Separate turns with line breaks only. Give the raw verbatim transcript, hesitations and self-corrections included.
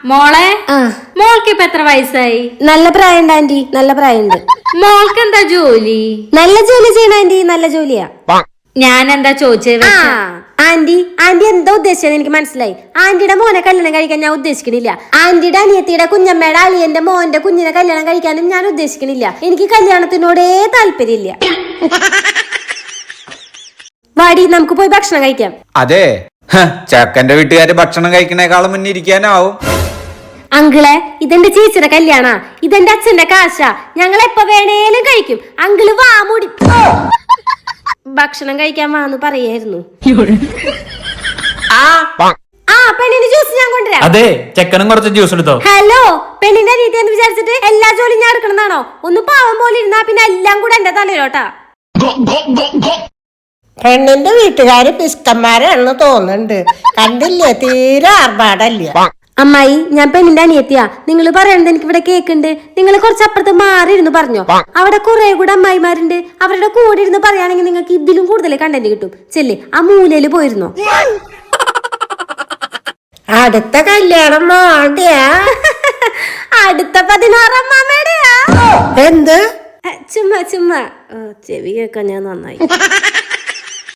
മോളെ മോൾക്ക് ഇപ്പൊ എത്ര വയസ്സായി?
നല്ല പ്രായമുണ്ട് ആന്റി, നല്ല പ്രായമുണ്ട്.
മോൾക്ക് എന്താ ജോലി?
നല്ല ജോലി ചെയ്യണ ആന്റി, നല്ല ജോലിയാ.
ഞാൻ എന്താ ചോദിച്ചത്?
ആന്റി ആന്റി എന്താ ഉദ്ദേശിച്ചത് എനിക്ക് മനസ്സിലായി. ആന്റിയുടെ മോനെ കല്യാണം കഴിക്കാൻ ഞാൻ ഉദ്ദേശിക്കണില്ല. ആന്റിയുടെ അനിയത്തിയുടെ കുഞ്ഞമ്മയുടെ അളിയന്റെ മോന്റെ കുഞ്ഞിനെ കല്യാണം കഴിക്കാനും ഞാൻ ഉദ്ദേശിക്കണില്ല. എനിക്ക് കല്യാണത്തിനോടേ താല്പര്യമില്ല. വാടി, നമുക്ക് പോയി ഭക്ഷണം കഴിക്കാം.
അതെ, ചക്കന്റെ വീട്ടുകാര് ഭക്ഷണം കഴിക്കണേക്കാളും മുന്നേ ഇരിക്കാനാവും.
അങ്കിളെ, ഇതെന്റെ ചേച്ചിയുടെ കല്യാണ, ഇതെന്റെ അച്ഛന്റെ കാശ, ഞങ്ങൾ എപ്പോ വേണേലും കഴിക്കും. അങ്കിള് വാ മൂടി. ഭക്ഷണം കഴിക്കാൻ വാന്ന് പറയായിരുന്നു. ആ പെണ്ണിന്റെ ജ്യൂസ് ഞാൻ കൊണ്ടുവരാം.
അതെ, ചെക്കനും കുറച്ച് ജ്യൂസ് എടുത്തോ.
ഹലോ, പെണ്ണിന്റെ അനിയത്തി എന്ന് വിചാരിച്ചിട്ട് എല്ലാ ജോലിയും ഞാൻ എടുക്കണമെന്നാണോ? ഒന്ന് പാവം പോലെ ഇരുന്നാ പിന്നെ എല്ലാം കൂടെ എന്റെ തലയിലോട്ടാ.
പെണ്ണിന്റെ വീട്ടുകാര് പിസ്കന്മാരാണെന്ന് തോന്നുന്നുണ്ട്. കണ്ടില്ലേ, തീരെ ആർഭാടല്ല.
അമ്മായി, ഞാൻ പെണ്ണിന്റെ അനിയത്തിയാ. നിങ്ങൾ പറയണത് എനിക്ക് ഇവിടെ കേക്കുണ്ട്. നിങ്ങൾ കുറച്ചപ്പുറത്ത് മാറി ഇരുന്ന് പറഞ്ഞോ. അവിടെ കുറെ കൂടെ അമ്മായിമാരുണ്ട്. അവരുടെ കൂടെ ഇരുന്ന് പറയുകയാണെങ്കിൽ നിങ്ങൾക്ക് ഇതിലും കൂടുതൽ കണ്ടന്റ് കിട്ടും. ചെല്ലേ, ആ മൂലയില് പോയിരുന്നോ.
അടുത്ത കല്യാണം മോടെയാ?
അടുത്ത പതിനാറാം മാമയുടെയാ.
എന്ത്?
ചുമ്മാ ചുമ്മാ ചെവി കേൾക്കാൻ ഞാൻ നന്നായി.